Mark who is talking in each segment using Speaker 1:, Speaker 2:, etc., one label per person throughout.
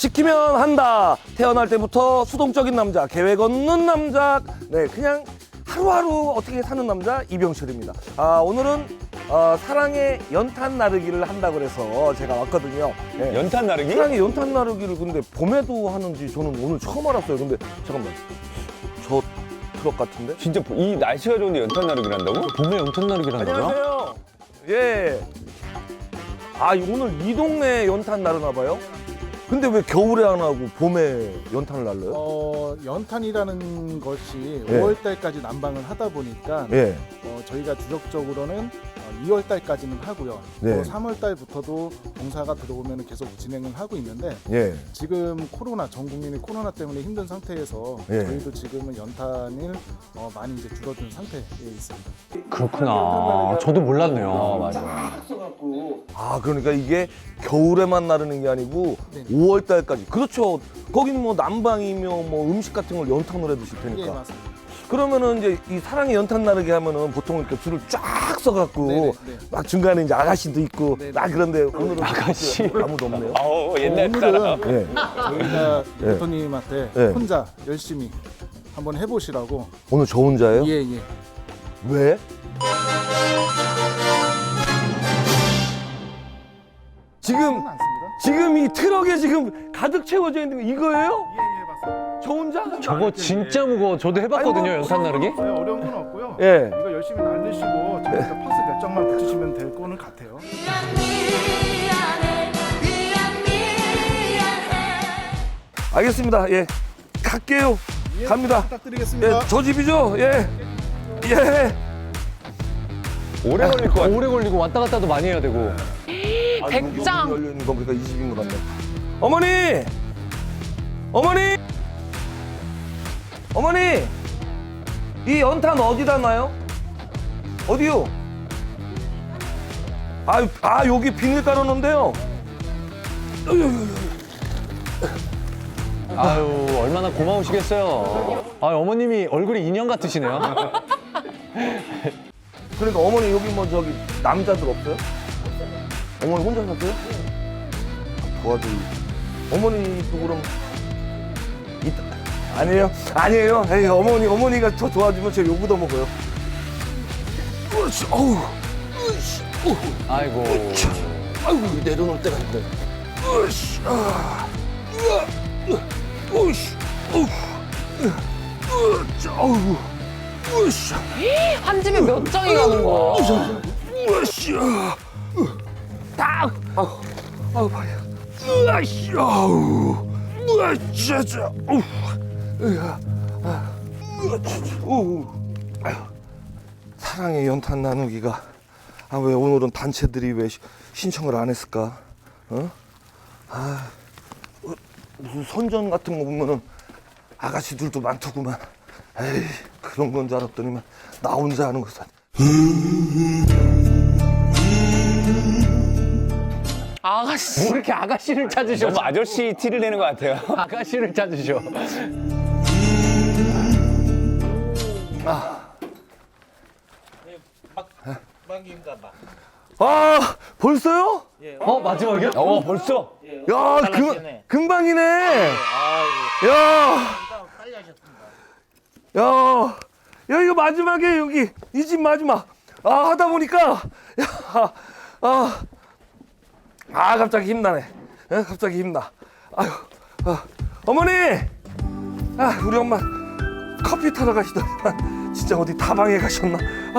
Speaker 1: 시키면 한다. 태어날 때부터 수동적인 남자, 계획 없는 남자, 네, 그냥 하루하루 어떻게 사는 남자 이병철입니다. 오늘은 사랑의 연탄 나르기를 한다고 그래서 제가 왔거든요. 네.
Speaker 2: 연탄 나르기?
Speaker 1: 사랑의 연탄 나르기를 근데 봄에도 하는지 저는 오늘 처음 알았어요. 근데 잠깐만, 저 트럭 같은데?
Speaker 2: 진짜 이 날씨가 좋은데 연탄 나르기를 한다고?
Speaker 3: 봄에 연탄 나르기를 한다고요?
Speaker 1: 안녕하세요. 예. 오늘 이 동네 연탄 나르나 봐요? 근데 왜 겨울에 안 하고 봄에 연탄을 날려요?
Speaker 4: 연탄이라는 것이
Speaker 1: 예.
Speaker 4: 5월달까지 난방을 하다 보니까
Speaker 1: 예.
Speaker 4: 저희가 주력적으로는 2월달까지는 하고요.
Speaker 1: 네.
Speaker 4: 또 3월달부터도 공사가 들어오면 계속 진행을 하고 있는데
Speaker 1: 예.
Speaker 4: 지금 전 국민이 코로나 때문에 힘든 상태에서
Speaker 1: 예.
Speaker 4: 저희도 지금은 연탄을 많이 이제 줄어든 상태에 있습니다.
Speaker 3: 그렇구나. 저도 몰랐네요.
Speaker 2: 맞아.
Speaker 1: 그러니까 이게 겨울에만 나르는 게 아니고
Speaker 4: 네.
Speaker 1: 5월 달까지. 그렇죠. 거기는 뭐 난방이며 뭐 음식 같은 걸 연탄으로 해 드실
Speaker 4: 예,
Speaker 1: 테니까.
Speaker 4: 맞습니다.
Speaker 1: 그러면은 이제 이 사랑의 연탄 나르기 하면은 보통 이렇게 줄을 쫙 써갖고
Speaker 4: 네네, 네.
Speaker 1: 막 중간에 이제 아가씨도 있고
Speaker 4: 네네.
Speaker 1: 막 그런데 오늘은
Speaker 3: 아가씨.
Speaker 1: 아무도 없네요.
Speaker 2: 옛날 사람.
Speaker 4: 오늘은
Speaker 1: 예.
Speaker 4: 저희가
Speaker 1: 예.
Speaker 4: 대표님한테
Speaker 1: 예.
Speaker 4: 혼자 열심히 한번 해보시라고.
Speaker 1: 오늘 저 혼자예요?
Speaker 4: 예, 예.
Speaker 1: 왜? 지금
Speaker 4: 않습니다.
Speaker 1: 지금 이 트럭에 지금 가득 채워져 있는 거 이거예요?
Speaker 4: 예, 예, 맞습니다.
Speaker 1: 저 혼자?
Speaker 3: 저거 진짜 무거워. 저도 해봤거든요,
Speaker 1: 아이고.
Speaker 3: 연탄 나르기.
Speaker 4: 어려운 건 없고요.
Speaker 1: 예.
Speaker 4: 이거 열심히 날리시고 저희가 파스 몇 장만 붙이시면 될 거는 같아요.
Speaker 1: 알겠습니다. 예. 갈게요. 갑니다.
Speaker 4: 부탁드리겠습니다.
Speaker 1: 예, 저 집이죠? 예. 예.
Speaker 2: 오래 걸릴 것 같아.
Speaker 3: 오래 걸리고 왔다 갔다도 많이 해야 되고.
Speaker 1: 백장 열려 있는 거 보니까 이 집인 것 같네. 어머니! 어머니! 어머니! 이 연탄 어디다 놔요? 어디요? 여기 비닐 깔아놓은데요.
Speaker 3: 아유, 얼마나 고마우시겠어요. 어머님이 얼굴이 인형 같으시네요.
Speaker 1: 그러니까 어머니 여기 뭐 저기 남자들 없어요? 어머니 혼자 사세요? 도와줘. 어머니도 그럼 아니에요? 아니에요. 에이, 어머니가 저 도와주면 제가 욕도 먹어요. 으쌰, 어우, 으쌰, 어우,
Speaker 3: 아이고.
Speaker 1: 아이고 내려놓을 때가 있네. 으쌰, 으쌰, 어우, 으쌰, 어우, 으쌰.
Speaker 5: 한 집에 몇 장이 가는 거야?
Speaker 1: 으쌰, 딱, 아우 발이야. 으쌰, 아우, 으쌰, 어우, 사랑의 연탄 나누기가 왜 오늘은 단체들이 왜 신청을 안 했을까? 무슨 선전 같은 거 보면은 아가씨들도 많더구만. 에이, 그런 건 줄 알았더니만 나 혼자 하는 것은.
Speaker 5: 아가씨.
Speaker 3: 뭐 이렇게 아가씨를 찾으셔?
Speaker 2: 너무 아저씨 티를 내는 것 같아요.
Speaker 3: 아가씨를 찾으셔.
Speaker 1: 벌써요?
Speaker 3: 마지막이요?
Speaker 2: 벌써?
Speaker 1: 야, 금방이네. 야, 야, 이거 마지막에 여기 이 집 마지막. 하다 보니까 갑자기 힘나네. 갑자기 힘나. 아유, 어머니, 우리 엄마 커피 타러 가시더니만 진짜 어디 다방에 가셨나?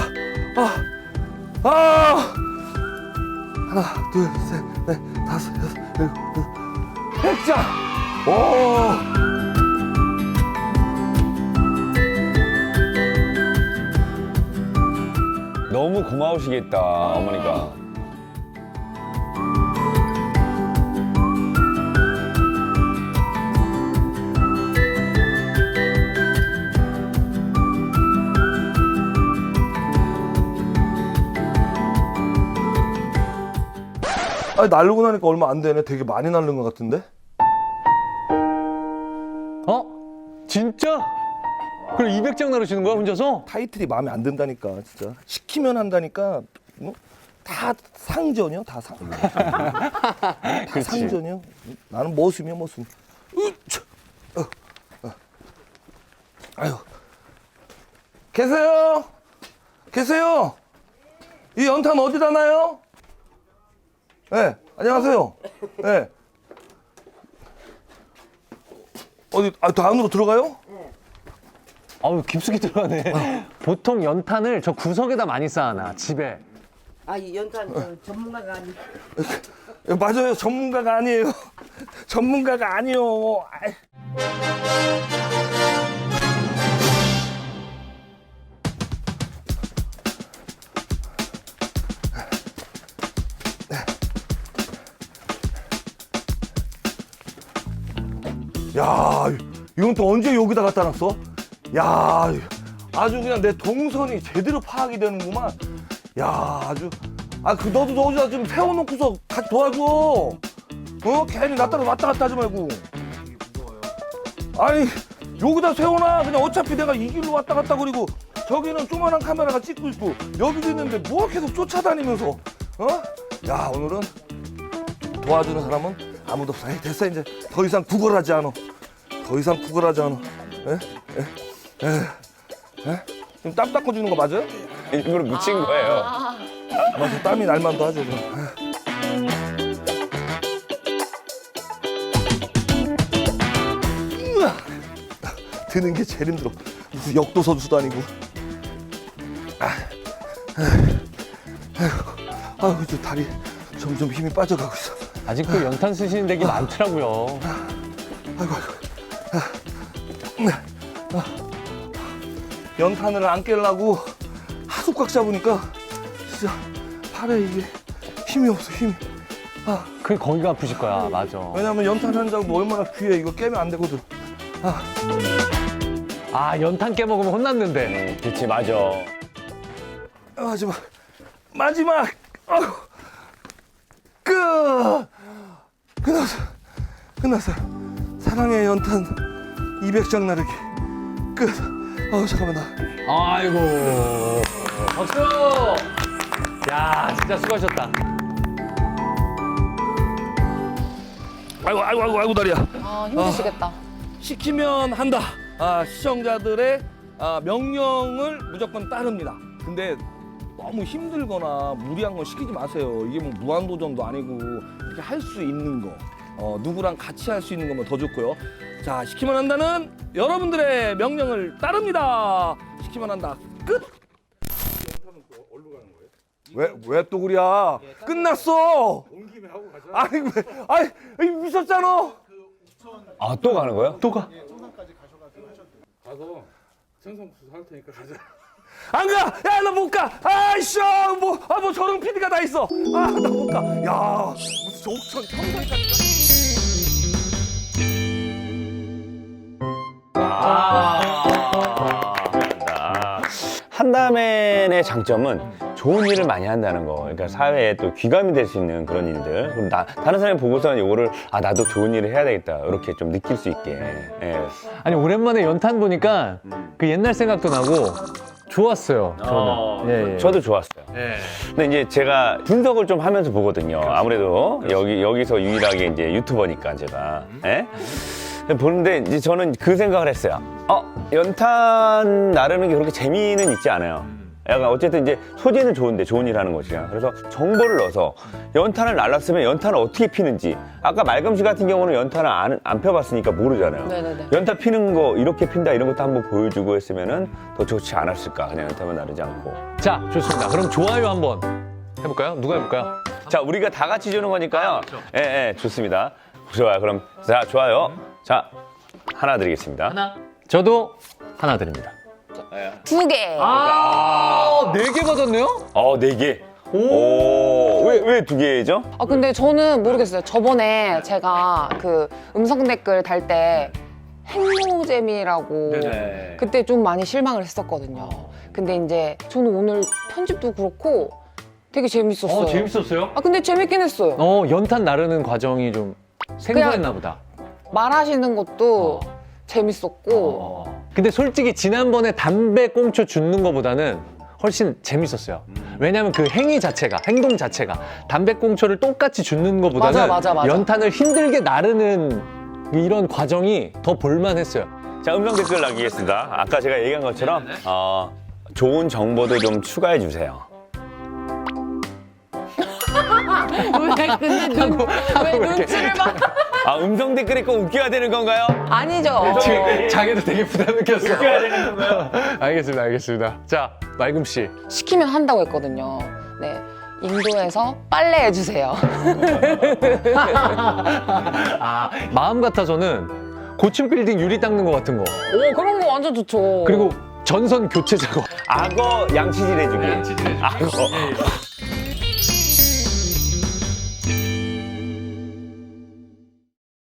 Speaker 1: 하나, 둘, 셋, 넷, 다섯, 여섯, 일곱, 여덟, 100장! 오!
Speaker 2: 너무 고마우시겠다, 어머니가.
Speaker 1: 나르고 나니까 얼마 안 되네. 되게 많이 나른 것 같은데?
Speaker 3: 진짜? 그럼 200장 나르시는 거야, 혼자서?
Speaker 1: 타이틀이 마음에 안 든다니까, 진짜. 시키면 한다니까, 뭐? 다 상전이요, 다 상전이요. 나는 머슴이야, 머슴. 아유, 계세요? 계세요? 이 연탄 어디다 놔요? 네, 안녕하세요. 네. 어디, 더 안으로 들어가요?
Speaker 3: 아유, 깊숙이 들어가네. 보통 연탄을 저 구석에다 많이 쌓아놔, 집에.
Speaker 6: 아, 이 연탄 전문가가 아니.
Speaker 1: 맞아요, 전문가가 아니에요. 전문가가 아니요. 아이. 야, 이건 또 언제 여기다 갖다 놨어? 야, 아주 그냥 내 동선이 제대로 파악이 되는구만. 야, 아주. 너도 저기다 좀 세워놓고서 같이 도와줘. 괜히 나 따라 왔다 갔다 하지 말고. 아니, 여기다 세워놔. 그냥 어차피 내가 이 길로 왔다 갔다 그리고 저기는 조그만한 카메라가 찍고 있고 여기도 있는데 뭐 계속 쫓아다니면서. 야, 오늘은 도와주는 사람은 아무도 없어. 에이, 됐어, 이제 더 이상 구걸하지 않아. 더 이상 구걸하지 않아. 지금 땀 닦아주는 거 맞아요?
Speaker 2: 일부러 묻힌 거예요.
Speaker 1: 맞아, 땀이 날만도 하죠. 그럼. 드는 게 제일 힘들어. 무슨 역도 선수도 아니고. 아유, 저 다리 점점 힘이 빠져가고 있어.
Speaker 3: 아직도 연탄 쓰시는 덱이 많더라고요.
Speaker 1: 아이고. 연탄을 안 깨려고 하도 꽉 잡으니까 진짜 팔에 이게 힘이 없어, 힘이.
Speaker 3: 그게 거기가 아프실 거야, 맞아.
Speaker 1: 왜냐면 연탄 한 장도 얼마나 귀해. 이거 깨면 안 되거든.
Speaker 3: 연탄 깨먹으면 혼났는데.
Speaker 2: 그치, 맞아.
Speaker 1: 마지막. 끝났어. 사랑의 연탄 200장 나르기. 끝. 잠깐만, 나.
Speaker 3: 아이고. 박수! 야, 진짜 수고하셨다.
Speaker 1: 아이고, 다리야.
Speaker 5: 힘드시겠다.
Speaker 1: 시키면 한다. 시청자들의 명령을 무조건 따릅니다. 근데 너무 힘들거나 무리한 건 시키지 마세요. 이게 뭐 무한도전도 아니고 이렇게 할 수 있는 거, 누구랑 같이 할 수 있는 거면 더 좋고요. 자, 시키면 한다는 여러분들의 명령을 따릅니다. 시키면 한다. 끝. 왜 또 그래야? 끝났어. 온 김에 하고 가자. 아니 미쳤잖아.
Speaker 2: 또 가는 거예요?
Speaker 3: 또 가.
Speaker 7: 가서 생선국수 할 테니까 가자.
Speaker 1: 안 가! 야, 나 못 가! 아이씨! 뭐 저런 PD가 다 있어! 나 못 가! 야, 무슨 옥천 평상까지.
Speaker 2: 한다맨의 장점은 좋은 일을 많이 한다는 거. 그러니까 사회에 또 귀감이 될 수 있는 그런 일들. 그럼 다른 사람이 보고서는 이거를 나도 좋은 일을 해야 되겠다. 이렇게 좀 느낄 수 있게. 예.
Speaker 3: 아니, 오랜만에 연탄 보니까 그 옛날 생각도 나고 좋았어요, 저는. 예.
Speaker 2: 저도 좋았어요. 근데 이제 제가 분석을 좀 하면서 보거든요. 아무래도 여기서 유일하게 이제 유튜버니까 제가. 예? 보는데 이제 저는 그 생각을 했어요. 연탄 나르는 게 그렇게 재미는 있지 않아요. 약간 어쨌든 이제 소재는 좋은데 좋은 일 하는 것이야. 그래서 정보를 넣어서 연탄을 날랐으면 연탄을 어떻게 피는지. 아까 말금씨 같은 경우는 연탄을 안 펴봤으니까 모르잖아요.
Speaker 5: 네네네.
Speaker 2: 연탄 피는 거 이렇게 핀다 이런 것도 한번 보여주고 했으면은 더 좋지 않았을까. 그냥 연탄만 나르지 않고.
Speaker 3: 자, 좋습니다. 그럼 좋아요 한번 해볼까요? 누가 해볼까요?
Speaker 2: 자, 우리가 다 같이 주는 거니까요. 예, 좋습니다. 좋아요. 그럼 자, 좋아요. 자, 하나 드리겠습니다.
Speaker 3: 하나. 저도 하나 드립니다.
Speaker 5: 2개.
Speaker 3: 4개 받았네요?
Speaker 2: 4개. 오, 왜 2개죠?
Speaker 5: 근데 저는 모르겠어요. 저번에 제가 그 음성 댓글 달 때 행로잼이라고
Speaker 3: 네네.
Speaker 5: 그때 좀 많이 실망을 했었거든요. 근데 이제 저는 오늘 편집도 그렇고 되게 재밌었어요.
Speaker 3: 재밌었어요?
Speaker 5: 근데 재밌긴 했어요.
Speaker 3: 연탄 나르는 과정이 좀 생소했나 보다.
Speaker 5: 말하시는 것도 재밌었고
Speaker 3: 근데 솔직히 지난번에 담배 꽁초 줍는 거보다는 훨씬 재밌었어요. 왜냐면 그 행위 자체가, 행동 자체가 담배꽁초를 똑같이 줍는 것보다는
Speaker 5: 맞아.
Speaker 3: 연탄을 힘들게 나르는 이런 과정이 더 볼만했어요.
Speaker 2: 자, 음성 댓글 남기겠습니다. 아까 제가 얘기한 것처럼 좋은 정보도 좀 추가해 주세요.
Speaker 5: 왜 눈치를 봐?
Speaker 2: 아, 음성 댓글이 꼭 웃겨야 되는 건가요?
Speaker 5: 아니죠.
Speaker 3: 지금 자기도 되게 부담 느꼈어.
Speaker 2: 웃겨야 되는 건가요?
Speaker 3: 알겠습니다. 자, 말금 씨.
Speaker 5: 시키면 한다고 했거든요. 네. 인도에서 빨래 해주세요.
Speaker 3: 마음 같아서는 고층 빌딩 유리 닦는 거 같은 거.
Speaker 5: 오, 그런 거 완전 좋죠.
Speaker 3: 그리고 전선 교체 작업.
Speaker 2: 악어 양치질 해주기. 악어.